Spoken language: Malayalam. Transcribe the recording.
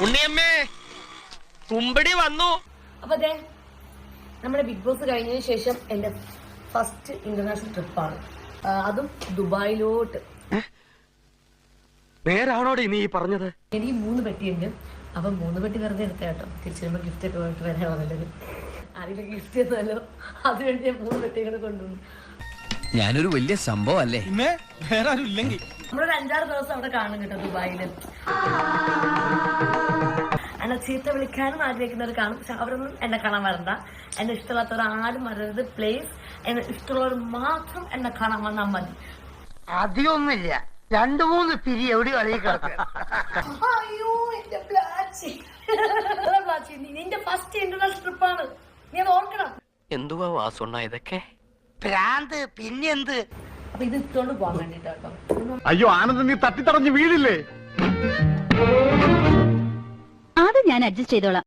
ഉണ്ണിയമ്മേ കുമ്പടി വന്നു. അപ്പൊ അതെ നമ്മുടെ ബിഗ് ബോസ് കഴിഞ്ഞതിന് ശേഷം എന്റെ ഫസ്റ്റ് ഇന്റർനാഷണൽ ട്രിപ്പാണ്, അതും ദുബായിലോട്ട്. നേരാണോടെ നീ പറഞ്ഞത്? എനിക്ക് 3 പെട്ടിയുണ്ട്. അപ്പൊ 3 പെട്ടി വെറുതെ എടുത്ത കേട്ടോ, തിരിച്ചു വരുമ്പോ ഗിഫ്റ്റ് ഒക്കെ പോയിട്ട് വരാൻ നല്ലത്. ആരെങ്കിലും ഗിഫ്റ്റ് തന്നല്ലോ, അതുവേണ്ടി ഞാൻ 3 പെട്ടികൾ കൊണ്ടുവന്നു. ഞാനൊരു വലിയ സംഭവം അല്ലേ? വേറെ ആരും ഇല്ലെങ്കിൽ നമ്മളൊരു 5-6 ദിവസം അവിടെ കാണും കേട്ടോ ദുബായില്. എന്നെ ചീത്ത വിളിക്കാനും ആഗ്രഹിക്കുന്നവർ കാണും, പക്ഷെ അവരൊന്നും എന്നെ കാണാൻ വരണ്ട. എന്നെ ഇഷ്ടമില്ലാത്തവർ ആരും വരരുത് പ്ലീസ്. എന്നെ ഇഷ്ടമുള്ളവർ മാത്രം എന്നെ കാണാൻ വന്നാൽ മതി. അധികമൊന്നുമില്ല, 2-3 പിരി എവിടെ കളി കിടക്കുക. അയ്യോ എന്റെ പ്ലാച്ചി, നിന്റെ ഫസ്റ്റ് ഇന്റർനാഷണൽ ട്രിപ്പാണ്, നീ അത് ഓർക്കണം. എന്തുവാ വാസുണ്ണ ഇതൊക്കെ? ഭ്രാന്ത് പിന്നെന്ത്? അപ്പൊ ഇത് ഇട്ടുകൊണ്ട് പോകാൻ വേണ്ടിട്ടോ. അയ്യോ ആനന്ദ്, നീ തട്ടിത്തടഞ്ഞ് വീഴില്ലേ? അത് ഞാൻ അഡ്ജസ്റ്റ് ചെയ്തോളാം.